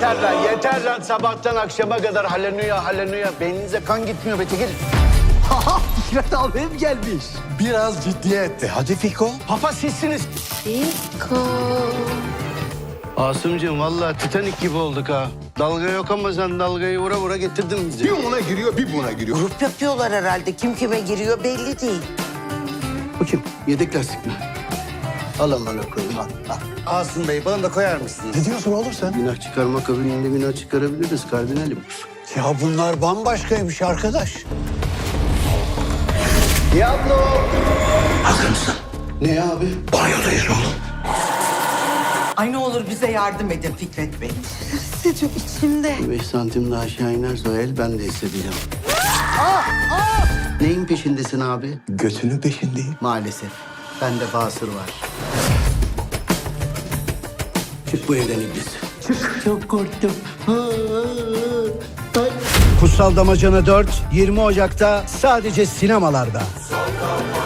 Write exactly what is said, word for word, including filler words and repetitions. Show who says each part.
Speaker 1: yeter lan, yeter lan. Sabahtan akşama kadar haleluya, haleluya. Beyninize kan gitmiyor be, çekil.
Speaker 2: Haha, Fikret abim gelmiş.
Speaker 3: Biraz ciddiyetti. Hadi Fiko.
Speaker 1: Papa sizsiniz.
Speaker 4: Fiko.
Speaker 1: Asımcığım vallahi Titanik gibi olduk ha. Dalga yok ama sen dalgayı vura vura getirdin bizi.
Speaker 3: Bir ona giriyor, bir buna giriyor.
Speaker 5: Grup yapıyorlar herhalde. Kim kime giriyor belli değil.
Speaker 1: Bu kim? Yedek lastik mi? Al amına koyayım, al, al. Asım Bey, bana da koyar mısınız?
Speaker 3: Ne diyorsun oğlum sen?
Speaker 1: Günah çıkarma kabininde günah çıkarabiliriz kardinalim.
Speaker 3: Ya bunlar bambaşkaymış arkadaş.
Speaker 1: Diablo!
Speaker 3: Hazır mısın?
Speaker 1: Ne abi?
Speaker 3: Banyodayız oğlum.
Speaker 5: Ay ne olur bize yardım edin Fikret Bey.
Speaker 4: Hissediyorum içimde.
Speaker 1: Beş santim daha aşağı inerse o el ben de hissedeceğim. Neyin peşindesin abi?
Speaker 3: Götünün peşindeyim.
Speaker 1: Maalesef. Bende basır var. Çık bu evden iblis. Çık. Çok korktum. Kutsal Damacana dört, yirmi Ocak'ta sadece sinemalarda.